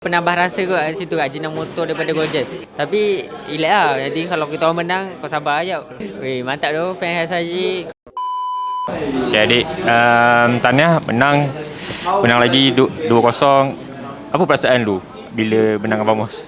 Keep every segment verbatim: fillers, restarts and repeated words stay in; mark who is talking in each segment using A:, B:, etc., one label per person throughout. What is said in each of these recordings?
A: Penambah rasa kot kat situ, Ajinomoto daripada Gorgeous. Tapi relax lah, nanti kalau kita orang menang, kau sabar je. Weh, mantap tu fan S R G.
B: Okay adik, um, Tania menang Menang lagi dua kosong. Apa perasaan lu bila menang Abang Mos?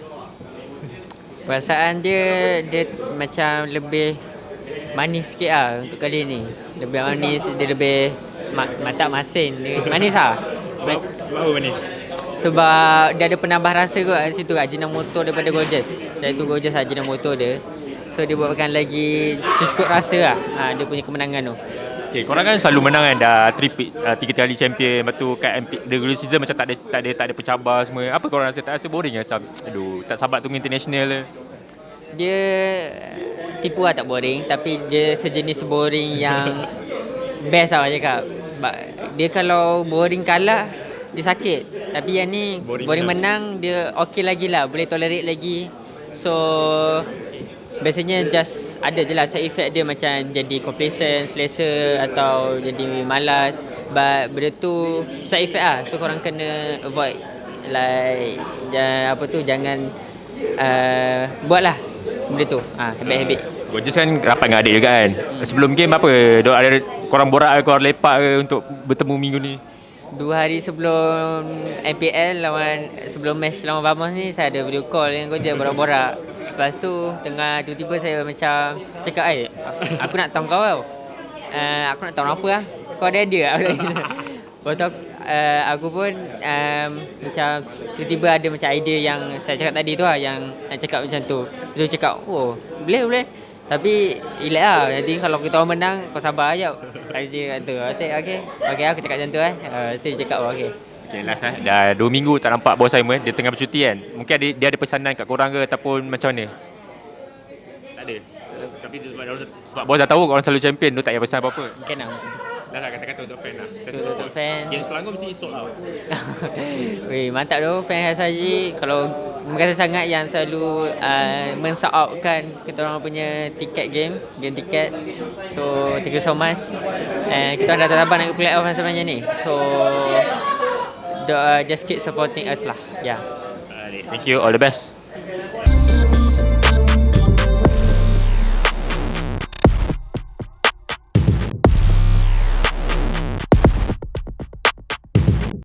A: Perasaan dia, dia macam lebih manis sikit lah untuk kali ni. Lebih manis, dia lebih ma- mantap masin. Dia manis lah. Sebab,
B: Sebab apa manis?
A: sebab dia ada penambah rasa kot kat situ, Ajinomoto daripada Gorgeous. Iaitu Gorgeous Ajinomoto dia. So dia buatkan lagi cukup rasa lah, ha, dia punya kemenangan tu.
B: Okay, korang kan selalu menang kan, dah tripit, uh, tiga kali champion. Lepas tu kat M P, the regular season macam tak ada tak ada tak ada pencabar semua. Apa korang rasa? Tak rasa boring ke? Aduh, tak sabar tunggu international le.
A: Dia tipu lah, tak boring. Tapi dia sejenis boring yang best lah orang cakap. Dia kalau boring kalah, dia sakit. Tapi yang ni
B: Boring
A: boring, boring menang, dia okey lagi lah, boleh tolerate lagi. So biasanya just ada je lah side effect dia, macam jadi complacent, selesa atau jadi malas. But benda tu side effect lah. So korang kena avoid, like ja, apa tu, jangan uh, buat lah benda tu, ha, habit-habit.
B: Gorgeous kan rapat dengan adik juga kan. hmm. Sebelum game apa, Dok, ada korang borak ke, korang lepak ke untuk bertemu minggu ni?
A: Dua hari sebelum M P L lawan, sebelum match lawan Vamos ni, saya ada video call dengan Gorgeous, borak-borak. Lepas tu tengah tiba-tiba saya macam cakap, eh aku nak tahu kau tau, uh, aku nak tahu apa lah, kau ada idea tak? Lepas tu uh, aku pun um, macam tiba-tiba ada macam idea yang saya cakap tadi tu lah, yang nak cakap macam tu. Lepas tu cakap, oh boleh boleh, tapi relax lah, nanti kalau kita orang menang, kau sabar je. Dia kata, okay, okay, okay aku cakap macam tu eh. Uh, dia cakap, oh, okay.
B: Okay, last eh. Dah dua minggu tak nampak bos Simon. Dia tengah bercuti kan. Mungkin ada, dia ada pesanan kat korang ke ataupun macam mana? Tak ada. Tapi sebab, sebab bos dah tahu korang selalu champion, dia tak payah pesan apa-apa.
A: Mungkin lah.
B: Dah lah, kata-kata untuk fan lah.
A: Untuk, untuk fan.
B: Game Selangor mesti sold out.
A: Weh, mantap tu fan S R G. Kalau terima kasih sangat yang selalu uh, men-sort outkan kita orang punya tiket game, game tiket. So thank you so much. And kita orang dah tak sabar nak ke playoff sebenarnya ni. So uh, just keep supporting us lah. Yeah.
B: Thank you, all the best.